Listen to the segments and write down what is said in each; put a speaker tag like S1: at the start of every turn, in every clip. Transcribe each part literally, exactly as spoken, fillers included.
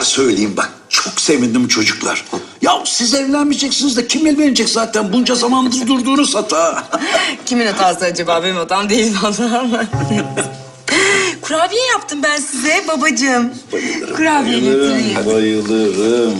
S1: kadar söyleyeyim bak. Çok sevindim çocuklar. Ya siz evlenmeyeceksiniz de kim evlenecek zaten? Bunca zamandır durduğunuz hata.
S2: Kimin hatası acaba? Benim hatam değil vallahi. Kurabiye yaptım ben size babacığım. Kurabiye getireyim.
S1: Bayılırım.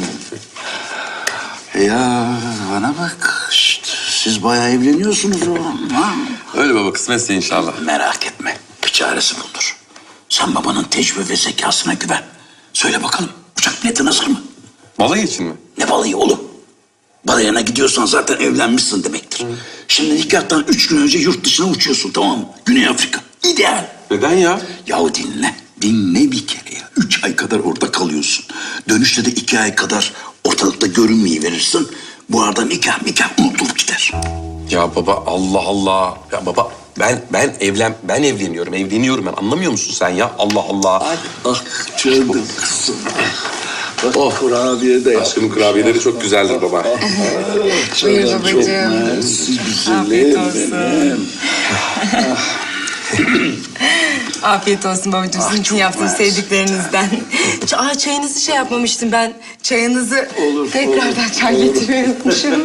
S1: Ya bana bak. Şşt, siz bayağı evleniyorsunuz oğlum. Ha?
S3: Öyle baba, kısmetse inşallah.
S1: Merak etme. Bir çaresi bulunur. Sen babanın tecrübe ve zekasına güven. Söyle bakalım. Uçak biletin hazır mı?
S3: Balayı için mi?
S1: Ne balayı oğlum? Balayına gidiyorsan zaten evlenmişsin demektir. Şimdi nikahtan üç gün önce yurt dışına uçuyorsun, tamam mı? Güney Afrika. İdeal.
S3: Neden ya?
S1: Yahu dinle. Dinle bir kere ya. Üç ay kadar orada kalıyorsun. Dönüşte de iki ay kadar ortalıkta görünmeyi verirsin. Bu arada nikah nikah unutulup gider.
S3: Ya baba, Allah Allah. Ya baba, ben ben evlen ben evleniyorum. Evleniyorum ben. Anlamıyor musun sen ya? Allah Allah.
S1: Ah canım kızım. Bak oh, kurabiye de yap.
S3: Aşkımın kurabiyeleri çok güzeldir baba.
S2: Buyur
S1: Çok
S2: babacığım.
S1: mersi
S2: Afiyet
S1: güzelim
S2: olsun.
S1: benim.
S2: Afiyet olsun babacığım. Sizin için yaptığım sevdiklerinizden. Ç- Aa, çayınızı şey yapmamıştım ben. Çayınızı
S1: Olur,
S2: tekrardan
S1: olur,
S2: çay
S1: olur.
S2: getirmeyi unutmuşum.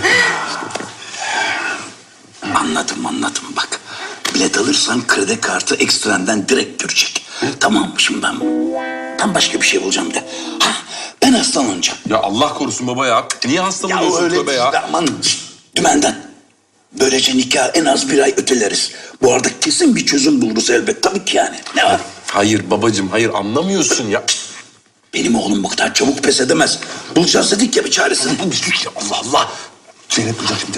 S1: Anladım anladım bak. Bilet alırsan kredi kartı ekstrenden direkt görecek. Tamam mı şimdi ben? Ben başka bir şey bulacağım de. Ha, ben hastalanacağım.
S3: Ya Allah korusun baba ya. Niye
S1: Ya
S3: hastalanıyorsun
S1: öyle
S3: tövbe
S1: değil
S3: ya?
S1: de aman şşt, dümenden. Böylece nikah en az bir ay öteleriz. Bu arada kesin bir çözüm buluruz elbet tabii ki yani. Ne var?
S3: Hayır babacığım, hayır anlamıyorsun ya.
S1: Benim oğlum bu kadar çabuk pes edemez. Bulacağız dedik ya bir çaresini.
S3: Allah Allah. Zeynep duyacak şimdi.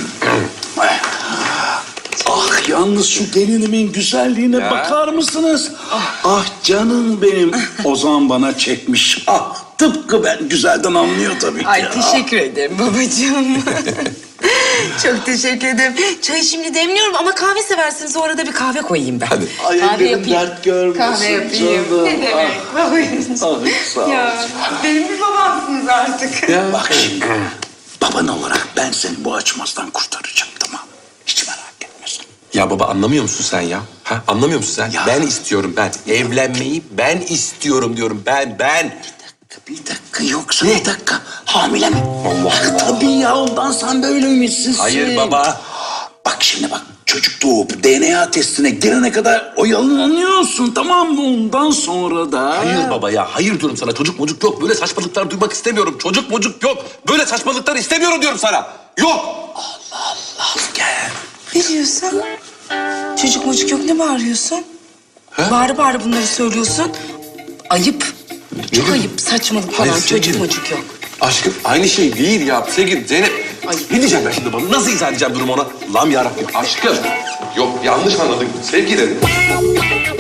S1: Ah yalnız şu gelinimin güzelliğine
S3: Ya.
S1: bakar mısınız? Ah canım benim. Ozan bana çekmiş. Ah tıpkı ben güzelden anlıyor tabii ki.
S2: Ay teşekkür ederim babacığım. Çok teşekkür ederim. Çayı şimdi demliyorum ama kahve seversiniz. O arada bir kahve koyayım ben.
S3: Hadi.
S1: Ay
S2: kahve
S1: ellerim
S2: yapayım.
S1: dert görmesin
S2: Kahve yapayım.
S1: canım.
S2: Ne demek babacığım?
S1: Ah sağ ol.
S2: Ya benim bir babamsınız artık.
S1: Bak şimdi baban olarak ben seni bu açmazdan kurtaracağım tamam mı? Hiç merak etmesin.
S3: Ya baba anlamıyor musun sen ya? Ha? Anlamıyor musun sen?
S1: Ya.
S3: Ben istiyorum ben. Evlenmeyi ben istiyorum diyorum. Ben, ben.
S1: Bir dakika yoksa bir dakika hamile mi?
S3: Allah
S1: Ah,
S3: Allah.
S1: tabii ya ondan sen böyle ümitsizsin.
S3: Hayır baba.
S1: Bak şimdi bak çocuk doğup D N A testine girene kadar oyalanıyorsun tamam mı? Ondan sonra da...
S3: Hayır baba ya. Hayır diyorum sana. Çocuk mucuk yok. Böyle saçmalıklar duymak istemiyorum. Çocuk mucuk yok. Böyle saçmalıklar istemiyorum diyorum sana. Yok.
S1: Al gel.
S2: Ne diyorsun? Çocuk mucuk yok ne bağırıyorsun? Bağırı bağırı bunları söylüyorsun. Ayıp. Çok ayıp saçmalık falan.
S3: Hayır,
S2: Çocuk
S3: sevgilim.
S2: mucuk yok.
S3: Aşkım aynı şey değil ya. Sevgilim Zeynep.
S2: Ay.
S3: Ne diyeceğim ben şimdi bana? Nasıl izah edeceğim durumu ona? Allah'ım yarabbim. Aşkım. Yok yanlış anladın. Sevgilim.